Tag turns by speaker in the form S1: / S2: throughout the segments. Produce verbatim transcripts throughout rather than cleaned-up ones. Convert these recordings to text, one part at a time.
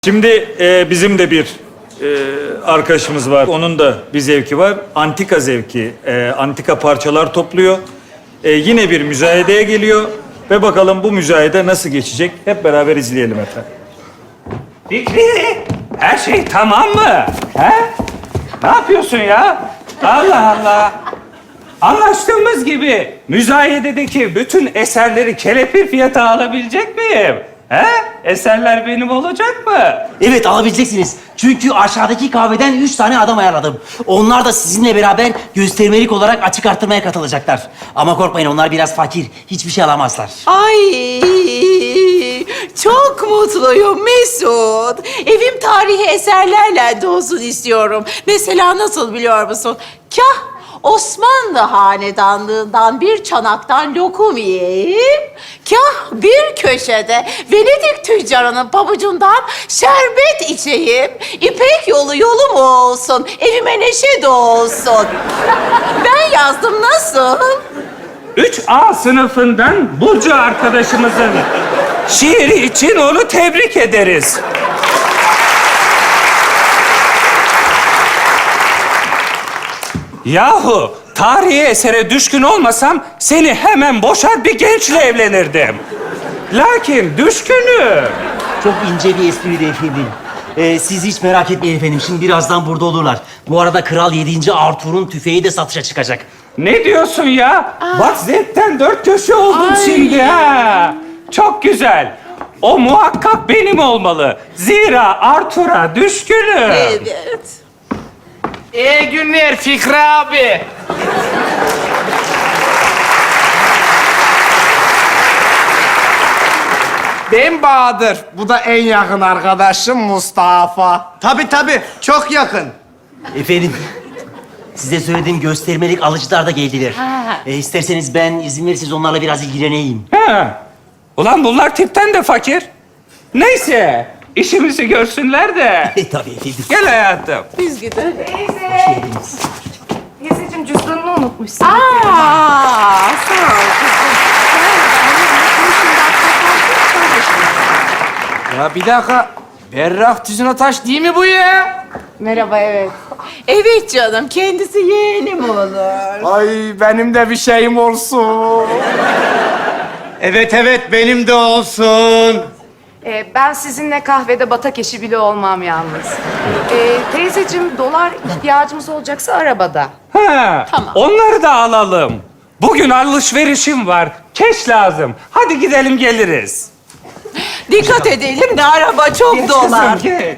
S1: Şimdi e, bizim de bir e, arkadaşımız var. Onun da bir zevki var. Antika zevki. E, antika parçalar topluyor. E, yine bir müzayedeye geliyor. Ve bakalım bu müzayede nasıl geçecek? Hep beraber izleyelim efendim.
S2: Fikri, her şey tamam mı? He? Ne yapıyorsun ya? Allah Allah. Anlaştığımız gibi müzayededeki bütün eserleri kelepir fiyata alabilecek miyim? He? Eserler benim olacak mı?
S3: Evet, alabileceksiniz. Çünkü aşağıdaki kahveden üç tane adam ayarladım. Onlar da sizinle beraber göstermelik olarak açık arttırmaya katılacaklar. Ama korkmayın, onlar biraz fakir. Hiçbir şey alamazlar.
S4: Ay çok mutluyum Mesut. Evim tarihi eserlerle dolsun istiyorum. Mesela nasıl biliyor musun? Kah Osmanlı hanedanlığından bir çanaktan lokum yiyeyim, kah bir köşede Venedik tüccarının pabucundan şerbet içeyim. İpek yolu yolum olsun, evime neşe dolsun. Ben yazdım, nasıl?
S2: Üç A sınıfından Burcu arkadaşımızın şiiri için onu tebrik ederiz. Yahu tarihi esere düşkün olmasam seni hemen boşar bir gençle evlenirdim. Lakin düşkünüm.
S3: Çok ince bir espriydi efendim. Ee, siz hiç merak etmeyin efendim. Şimdi birazdan burada olurlar. Bu arada Kral yedinci Arthur'un tüfeği de satışa çıkacak.
S2: Ne diyorsun ya? Bak zevkten dört köşe oldum
S4: Ay.
S2: şimdi ha. Çok güzel. O muhakkak benim olmalı. Zira Arthur'a düşkünüm.
S4: Evet.
S5: İyi günler Fikri abi. Ben Bahadır. Bu da en yakın arkadaşım Mustafa.
S6: Tabii tabii, çok yakın.
S3: Efendim, size söylediğim göstermelik alıcılar da geldiler. Ee, isterseniz ben izin verirseniz onlarla biraz ilgileneyim.
S2: Ha. Ulan bunlar tipten de fakir. Neyse, işimizi görsünler de.
S3: Tabii efendim.
S2: Gel hayatım.
S4: Biz gidelim.
S7: Teyzeciğim cüzdanını unutmuşsun.
S4: Aa, sağ ol kızım.
S5: Ya bir dakika. Berrak Tüzün Taş değil mi bu ya?
S7: Merhaba, evet.
S4: Evet canım, kendisi yeğenim olur.
S5: Ay benim de bir şeyim olsun.
S6: Evet evet, benim de olsun.
S7: Ee, ben sizinle kahvede batak eşi bile olmam yalnız. Ee, teyzeciğim, dolar ihtiyacımız olacaksa arabada.
S2: Ha.
S4: Tamam.
S2: Onları da alalım. Bugün alışverişim var. Keş lazım. Hadi gidelim geliriz.
S4: Dikkat edelim de araba çok
S2: Geç
S4: dolar.
S2: kızım, geç.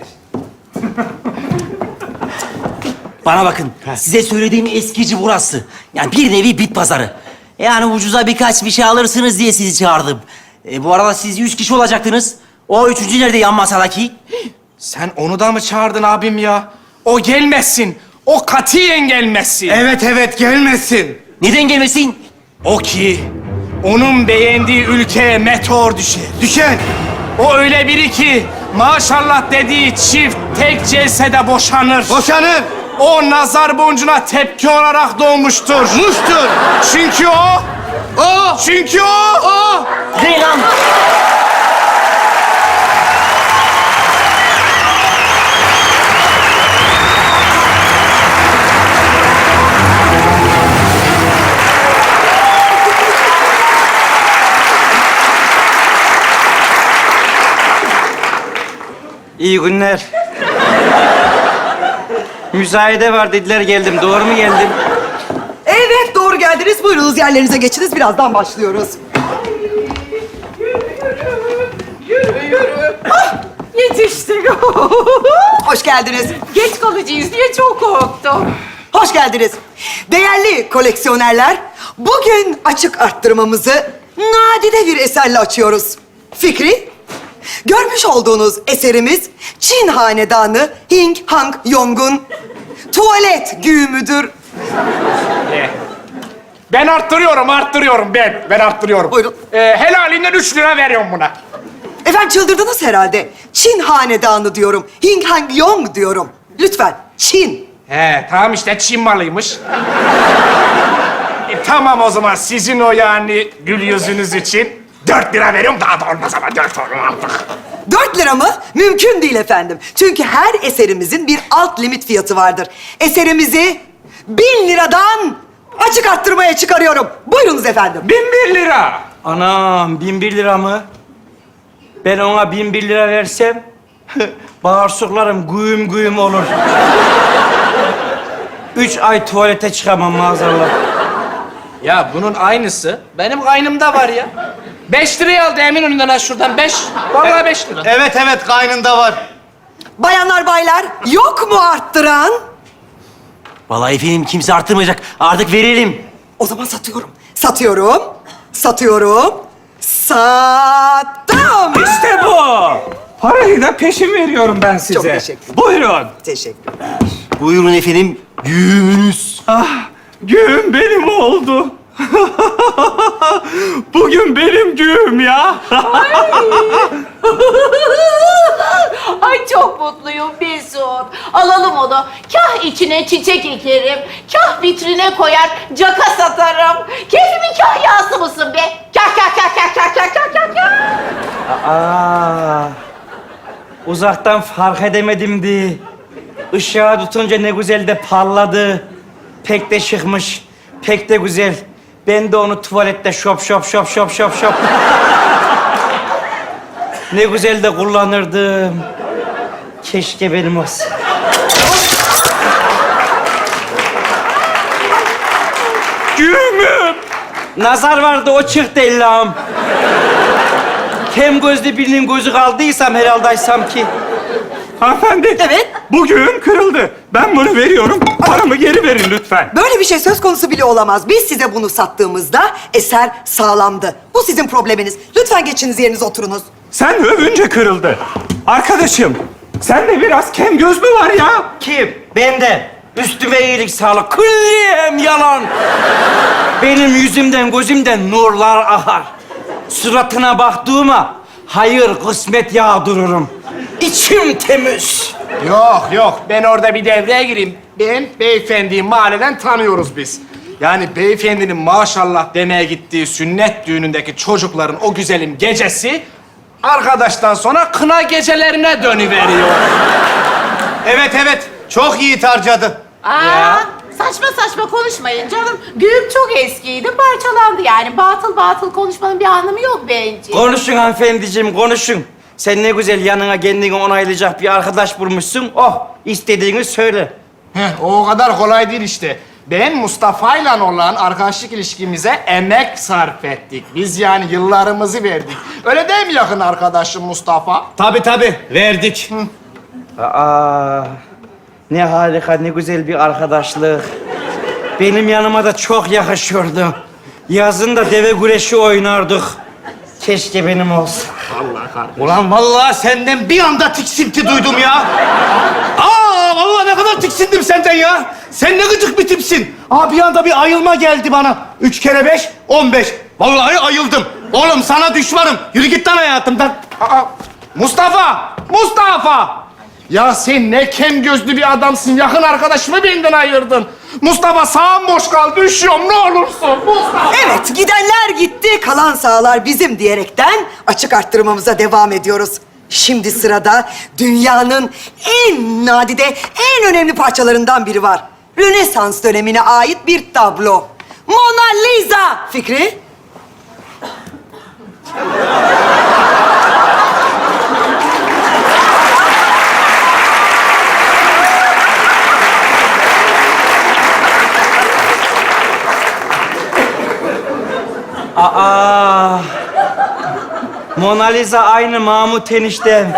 S3: Bana bakın, size söylediğim eskici burası. Yani bir nevi bit pazarı. Yani ucuza birkaç bir şey alırsınız diye sizi çağırdım. E, bu arada siz üç kişi olacaktınız. O üçüncü nerede yan masadaki?
S5: Sen onu da mı çağırdın abim ya? O gelmesin. O katiyen gelmesin.
S6: Evet evet, gelmesin.
S3: Neden gelmesin?
S5: O ki onun beğendiği ülkeye meteor düşer.
S6: Düşen.
S5: O öyle biri ki maşallah dediği çift tek celsede boşanır.
S6: Boşanın.
S5: O nazar boncuğuna tepki olarak doğmuştur.
S6: Muştur.
S5: Çünkü o,
S6: O.
S5: çünkü o, o.
S3: Reyhan!
S8: İyi günler. Müzayede var dediler, geldim. Doğru mu geldim?
S9: Evet, doğru geldiniz. Buyurunuz, yerlerinize geçiniz. Birazdan başlıyoruz.
S4: Yetiştik.
S9: Hoş geldiniz.
S4: Geç kalacağız diye çok korktum.
S9: Hoş geldiniz. Değerli koleksiyonerler, bugün açık arttırmamızı nadide bir eserle açıyoruz. Fikri, görmüş olduğunuz eserimiz Çin hanedanı Hing Hang Yong'un tuvalet güğümüdür.
S5: Ben arttırıyorum, arttırıyorum ben. Ben arttırıyorum.
S9: Buyurun.
S5: Ee, helalinden üç lira veriyorum buna.
S9: Efendim çıldırdınız herhalde. Çin hanedanı diyorum. Hing Hang Yong diyorum. Lütfen, Çin.
S5: He, tamam işte Çin malıymış. e, tamam o zaman sizin o yani gül yüzünüz için dört lira veriyorum. Daha da olmaz ama dört olur artık.
S9: Dört lira mı? Mümkün değil efendim. Çünkü her eserimizin bir alt limit fiyatı vardır. Eserimizi bin liradan açık arttırmaya çıkarıyorum. Buyurunuz efendim.
S2: Bin bir lira.
S8: Anam bin bir lira mı? Ben ona bin bir lira versem bağırsaklarım güğüm güğüm olur. Üç ay tuvalete çıkamam maazallah.
S5: Ya bunun aynısı benim kaynımda var ya. Beş liraya aldı Eminönü'nden ha şuradan. Beş. Vallahi beş lira.
S6: Evet evet kaynında var.
S9: Bayanlar baylar, yok mu arttıran?
S3: Vallahi efendim kimse arttırmayacak. Artık verelim.
S9: O zaman satıyorum. Satıyorum. Satıyorum. Sattım.
S2: İşte bu. Parayı da peşin veriyorum ben size.
S9: Çok teşekkür ederim.
S2: Buyurun.
S9: Teşekkürler.
S3: Buyurun efendim. Güğümünüz.
S2: Ah, güğüm benim oldu. Bugün benim güğüm ya.
S4: Ay çok mutluyum Mesut. Alalım onu. Kah içine çiçek ekerim, kah vitrine koyar, caka satarım. Keyfimin kahyası mısın be? Kah kah kah kah kah kah kah kah kah.
S8: Aa, uzaktan fark edemedim di. Işığa tutunca ne güzel de parladı. Pek de şıkmış, pek de güzel. Ben de onu tuvalette şop şop şop şop şop şop. Ne güzel de kullanırdım. Keşke benim olsa.
S2: Güğümüm.
S8: Nazar vardı, o çıktı Allah'ım. Kem gözlü birinin gözü kaldıysam herhaldeysam ki.
S2: Hanımefendi.
S9: Evet.
S2: Bu güğüm kırıldı. Ben bunu veriyorum. Paramı geri verin lütfen.
S9: Böyle bir şey söz konusu bile olamaz. Biz size bunu sattığımızda eser sağlamdı. Bu sizin probleminiz. Lütfen geçiniz yerinize oturunuz.
S2: Sen övünce kırıldı. Arkadaşım, sende biraz kem göz mü var ya?
S8: Kim? Bende. Üstüme iyilik sağlık. Külliyem yalan. Benim yüzümden, gözümden nurlar akar. Suratına baktığıma hayır kısmet yağdırırım. İçim temiz.
S5: Yok yok ben orada bir devreye gireyim. Ben beyefendiyi mahalleden tanıyoruz biz. Yani beyefendinin maşallah demeye gittiği sünnet düğünündeki çocukların o güzelim gecesi arkadaştan sonra kına gecelerine dönüveriyor.
S6: Evet evet çok iyi harcadı.
S4: Aa, saçma saçma konuşmayın canım. Güğüm çok eskiydi, parçalandı yani. Batıl batıl konuşmanın bir anlamı yok bence.
S8: Konuşun hanımefendiciğim, konuşun. Sen ne güzel yanına kendini onaylayacak bir arkadaş bulmuşsun. Oh, istediğini söyle.
S5: Heh, o kadar kolay değil işte. Ben Mustafa'yla olan arkadaşlık ilişkimize emek sarf ettik. Biz yani yıllarımızı verdik. Öyle değil mi yakın arkadaşım Mustafa?
S6: Tabii tabii verdik.
S8: Aa, ne harika, ne güzel bir arkadaşlık. Benim yanıma da çok yakışıyordu. Yazın da deve güreşi oynardık. Keşke benim olsa.
S6: Ulan vallahi senden bir anda tiksinti duydum ya. Aa vallahi ne kadar tiksindim senden ya. Sen ne gıcık bir tipsin. Aa bir anda bir ayılma geldi bana. Üç kere beş, on beş. Vallahi ayıldım. Oğlum sana düşmanım. Yürü git lan hayatımdan.
S5: Aa, Mustafa! Mustafa! Ya sen ne kem gözlü bir adamsın. Yakın arkadaşımı benden ayırdın. Mustafa sağım boş kal. Düşüyorum ne olursun. Mustafa!
S9: Evet, gidenler gitti, kalan sağlar bizim diyerekten açık arttırmamıza devam ediyoruz. Şimdi sırada dünyanın en nadide, en önemli parçalarından biri var. Rönesans dönemine ait bir tablo. Mona Lisa. Fikri?
S8: Aa, Mona Lisa aynı Mahmut eniştem.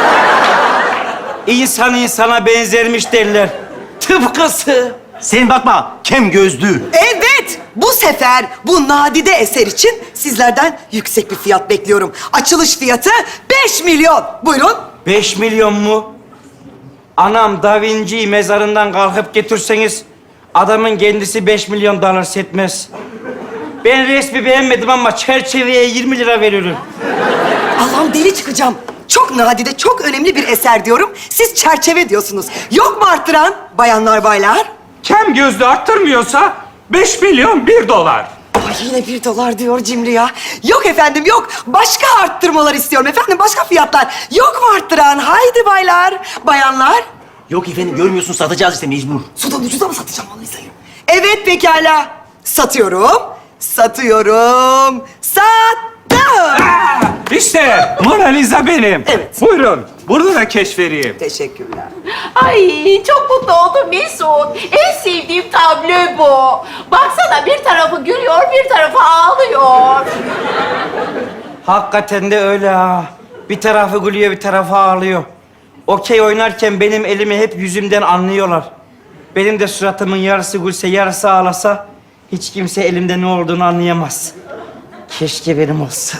S8: İnsan insana benzermiş derler. Tıpkısı.
S3: Sen bakma, kem gözlü.
S9: Evet, bu sefer bu nadide eser için sizlerden yüksek bir fiyat bekliyorum. Açılış fiyatı beş milyon. Buyurun.
S8: Beş milyon mu? Anam Da Vinci'yi mezarından kalkıp getirseniz adamın kendisi beş milyon dolar etmez. Ben resmi beğenmedim ama çerçeveye yirmi lira veriyorum.
S9: Allah'ım deli çıkacağım. Çok nadide, çok önemli bir eser diyorum. Siz çerçeve diyorsunuz. Yok mu arttıran bayanlar baylar?
S2: Kem gözlü arttırmıyorsa beş milyon bir dolar.
S9: Ay yine bir dolar diyor cimri ya. Yok efendim yok. Başka arttırmalar istiyorum efendim. Başka fiyatlar. Yok mu arttıran? Haydi baylar, bayanlar.
S3: Yok efendim görmüyorsun satacağız işte mecbur.
S9: Sudan ucuza mı satacağım Monalisa'yı? Evet pekala. Satıyorum. Satıyorum. Sattım.
S2: İşte Mona Lisa benim.
S9: Evet.
S2: Buyurun. Burada da keşf vereyim.
S9: Teşekkürler.
S4: Ay çok mutlu oldum Mesut. En sevdiğim tablo bu. Baksana bir tarafı gülüyor, bir tarafı ağlıyor.
S8: Hakikaten de öyle ha. Bir tarafı gülüyor, bir tarafı ağlıyor. Okey oynarken benim elimi hep yüzümden anlıyorlar. Benim de suratımın yarısı gülse, yarısı ağlasa hiç kimse elimde ne olduğunu anlayamaz. Keşke benim olsa.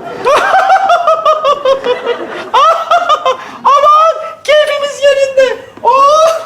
S6: Aman keyfimiz yerinde. Oh!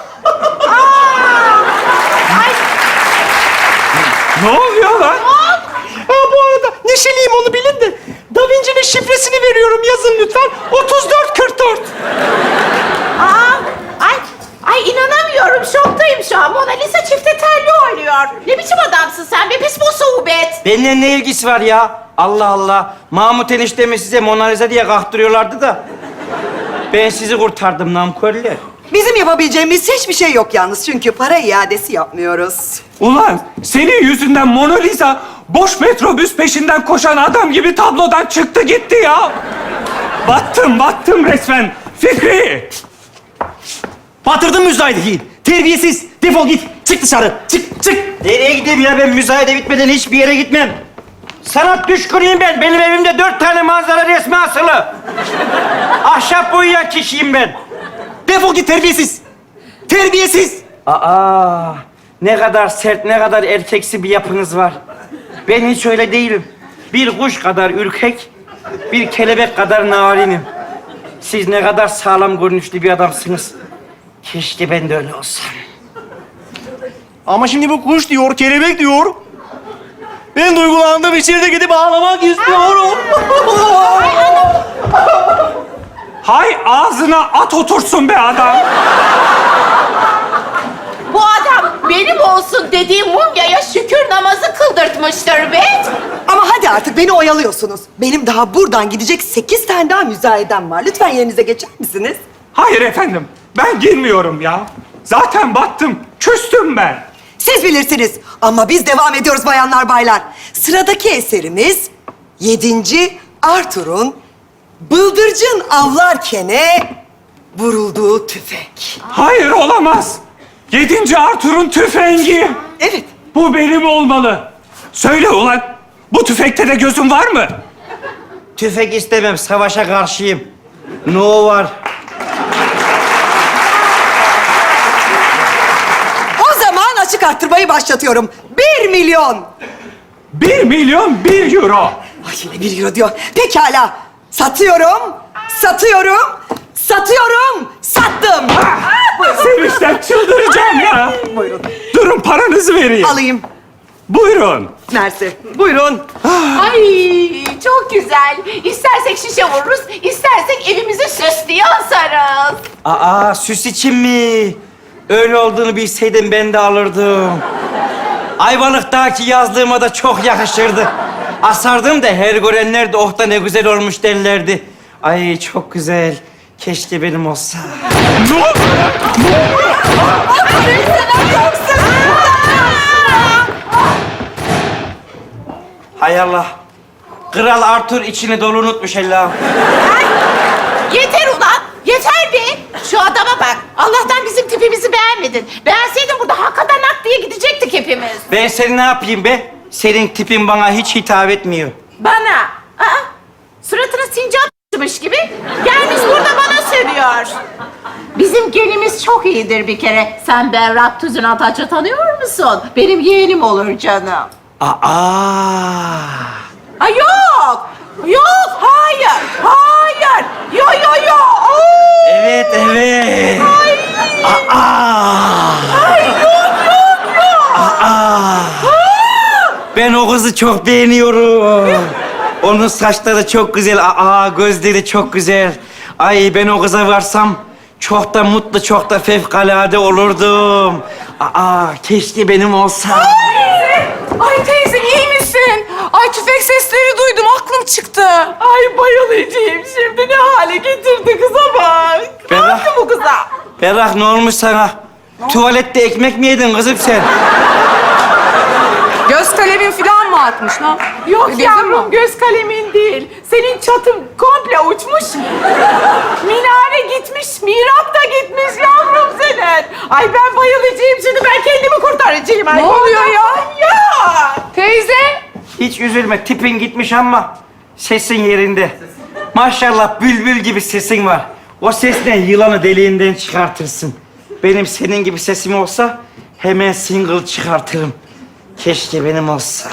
S2: Ne oluyor lan?
S6: Ha, bu arada neşeliyim onu bilin de. Da Vinci'nin şifresini veriyorum yazın lütfen. otuz dört kırk dört.
S4: Aa, ay, ay inanamıyorum. Şoktayım şu an. Mona Lisa çifte telli oynuyor. Ne biçim adamsın sen be pis musibet.
S8: Benimle ne ilgisi var ya? Allah Allah. Mahmut eniştemi size Mona Lisa diye kahtırıyorlardı da. Ben sizi kurtardım namköller.
S9: Bizim yapabileceğimiz hiçbir şey yok yalnız. Çünkü para iadesi yapmıyoruz.
S2: Ulan senin yüzünden Mona Lisa boş metrobüs peşinden koşan adam gibi tablodan çıktı gitti ya. Battım, battım resmen. Fikri!
S3: Batırdın müzayedeyi. Terbiyesiz. Defol git. Çık dışarı. Çık, çık. Nereye gideyim ya? Ben müzayede bitmeden hiçbir yere gitmem. Sanat düşkünüyüm ben. Benim evimde dört tane manzara resmi asılı. Ahşap boyayan kişiyim ben. Defol git terbiyesiz. Terbiyesiz.
S8: Aa, ne kadar sert, ne kadar erkeksi bir yapınız var. Ben hiç öyle değilim. Bir kuş kadar ürkek, bir kelebek kadar narinim. Siz ne kadar sağlam görünüşlü bir adamsınız. Keşke ben de öyle olsam.
S6: Ama şimdi bu kuş diyor, kelebek diyor. Ben duygulandım, içeride gidip ağlamak istiyorum.
S2: Hay ağzına at otursun be adam.
S4: Bu adam benim olsun dediğim mumyaya şükür namazı kıldırtmıştır be.
S9: Ama hadi artık beni oyalıyorsunuz. Benim daha buradan gidecek sekiz tane daha müzayedem var. Lütfen yerinize geçer misiniz?
S2: Hayır efendim, ben girmiyorum ya. Zaten battım, küstüm ben.
S9: Siz bilirsiniz. Ama biz devam ediyoruz bayanlar baylar. Sıradaki eserimiz yedinci Arthur'un bıldırcın avlarkene vurulduğu tüfek.
S2: Hayır olamaz. Yedinci Arthur'un tüfengi.
S9: Evet.
S2: Bu benim olmalı. Söyle ulan, bu tüfekte de gözün var mı?
S8: Tüfek istemem, savaşa karşıyım. No var.
S9: O zaman açık arttırmayı başlatıyorum. Bir milyon.
S2: Bir milyon bir euro.
S9: Ay yine bir euro diyor. Pekala. Satıyorum. Satıyorum. Satıyorum. Sattım.
S2: Sevinçten çıldıracağım ya.
S9: Buyurun.
S2: Durun paranızı vereyim.
S9: Alayım.
S2: Buyurun.
S9: Mersi. Buyurun.
S4: Ay çok güzel. İstersek şişe vururuz, istersek evimize süs diye asarız.
S8: Aa, süs için mi? Öyle olduğunu bilseydim ben de alırdım. Ayvalık'taki yazlığıma da çok yakışırdı. Asardım da her görenler de oh da ne güzel olmuş derlerdi. Ay çok güzel. Keşke benim olsa.
S2: Ne?
S8: Hay Allah. Kral Arthur içini dolu unutmuş Allah'ım.
S4: Yeter ulan, yeter be. Şu adama bak. Allah'tan bizim tipimizi beğenmedin. Beğenseydin burada hakikaten hak diye gidecektik hepimiz.
S8: Ben seni ne yapayım be? Senin tipin bana hiç hitap etmiyor.
S4: Bana. Aa, suratına sincap s**mış gibi gelmiş burada bana sövüyor. Bizim genimiz çok iyidir bir kere. Sen Berrak Tüzün Ataç'ı tanıyor musun? Benim yeğenim olur canım.
S8: Aa.
S4: Ay yok. Yok, hayır. Hayır. Yo yo yo. Oo.
S8: Evet, evet. Aa.
S4: Ay yok yok yok.
S8: Aa. Ben o kızı çok beğeniyorum. Onun saçları çok güzel. Aa, gözleri çok güzel. Ay ben o kıza varsam çok da mutlu, çok da fevkalade olurdum. Aa, keşke benim olsa.
S7: Ay teyze iyi misin? Ay tüfek sesleri duydum, aklım çıktı.
S4: Ay bayılacağım şimdi, ne hale getirdi kıza bak. Ne
S8: Berrak.
S4: yaptı bu kıza?
S8: Berrak ne olmuş sana? Tuvalette ekmek mi yedin kızım sen?
S7: Göz kalemin falan mı atmış lan?
S4: Yok
S7: Gözün
S4: yavrum,
S7: mü?
S4: göz kalemin değil. Senin çatın komple uçmuş. Minare gitmiş, mihrap da gitmiş yavrum senin. Ay ben bayılacağım şimdi, ben kendimi kurtaracağım. Ay,
S7: Ne oluyor ya?
S4: Ya!
S7: Teyze.
S8: Hiç üzülme, tipin gitmiş ama sesin yerinde. Maşallah bülbül gibi sesin var. O sesle yılanı deliğinden çıkartırsın. Benim senin gibi sesim olsa hemen single çıkartırım. Keşke benim olsa.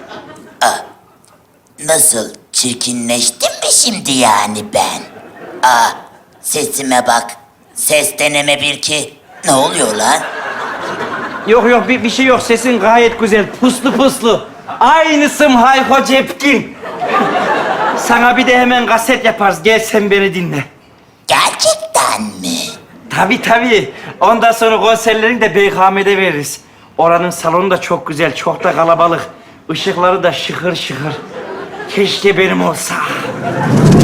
S10: Nasıl? Çirkinleştim mi şimdi yani ben? Aa, sesime bak. Ses deneme bir ki. Ne oluyor lan?
S8: Yok yok bir, bir şey yok, sesin gayet güzel. Puslu puslu. Aynısım Hayko Cepkin. Sana bir de hemen kaset yaparız. Gel sen beni dinle.
S10: Gerçekten mi?
S8: Tabii tabii. Ondan sonra konserlerini de B K M'de veririz. Oranın salonu da çok güzel, çok da kalabalık. Işıkları da şıkır şıkır. Keşke benim olsa.